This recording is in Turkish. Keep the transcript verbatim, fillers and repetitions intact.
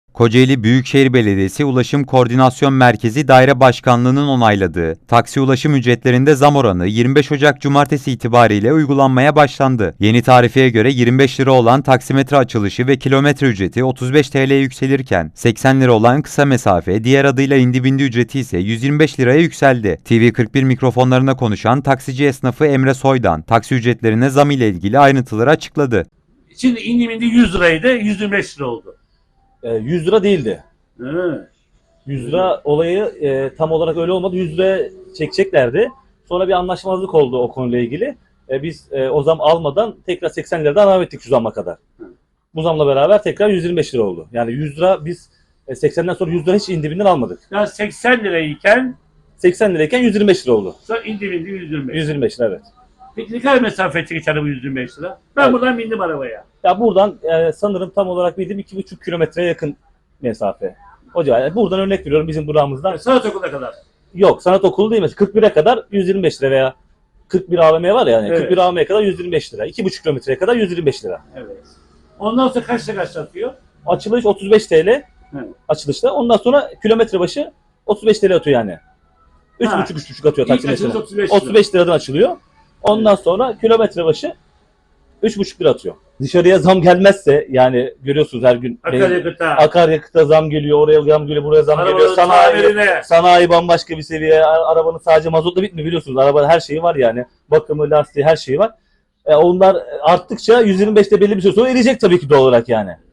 Kocaeli Büyükşehir Belediyesi Ulaşım Koordinasyon Merkezi Daire Başkanlığı'nın onayladığı taksi ulaşım ücretlerinde zam oranı yirmi beş Ocak Cumartesi itibariyle uygulanmaya başlandı. Yeni tarifeye göre yirmi beş lira olan taksimetre açılışı ve kilometre ücreti otuz beş T L'ye yükselirken seksen lira olan kısa mesafe, diğer adıyla indi bindi ücreti ise yüz yirmi beş liraya yükseldi. T V kırk bir mikrofonlarına konuşan taksici esnafı Emre Soydan, taksi ücretlerine zam ile ilgili ayrıntıları açıkladı. Şimdi indi bindi yüz liraydı, yüz yirmi beş lira oldu. yüz lira değildi. Hı. yüz lira olayı e, tam olarak öyle olmadı. yüz lira çekeceklerdi. Sonra bir anlaşmazlık oldu o konuyla ilgili. E, biz e, o zam almadan tekrar seksen liradan devam ettik şu zamma kadar. Bu zamla beraber tekrar yüz yirmi beş lira oldu. Yani yüz lira biz e, seksenden sonra yüz lira hiç indibinden almadık. Yani seksen lirayken seksen lirayken yüz yirmi beş lira oldu. sonra indi bindi yüz yirmi beş. yüz yirmi beş lira, evet. Peki ne kadar mesafe geçer bu yüz yirmi beş lira? Ben Evet. buradan bindim arabaya. Ya buradan e, sanırım tam olarak bildiğim iki buçuk kilometreye yakın mesafe. O civar. Buradan örnek veriyorum bizim durağımızdan. Sanat okuluna kadar. Yok, sanat okulu değil mesela kırk bire kadar yüz yirmi beş lira veya kırk bir A V M var ya yani Evet. kırk bir A V M'ye kadar yüz yirmi beş lira. iki buçuk kilometreye kadar yüz yirmi beş lira. Evet. Ondan sonra kaçta kaç atıyor? Açılış otuz beş T L. Evet. Açılışta. Ondan sonra kilometre başı otuz beş T L atıyor yani. üç buçuk üç buçuk atıyor İlk taksi açılış mesela. otuz beş lira. otuz beş liradan açılıyor. Ondan sonra kilometre başı üç buçuk lira atıyor. Dışarıya zam gelmezse yani görüyorsunuz her gün Akaryakıta. akaryakıta zam geliyor, oraya zam geliyor, buraya zam geliyor. Arabanın Sanayi, tamirine. sanayi bambaşka bir seviye. A- Arabanın sadece mazotla bitmiyor biliyorsunuz. Arabanın her şeyi var yani. Bakımı, lastiği, her şeyi var. E, onlar arttıkça yüz yirmi beşte belli bir süre sonra eriyecek tabii ki doğal olarak yani.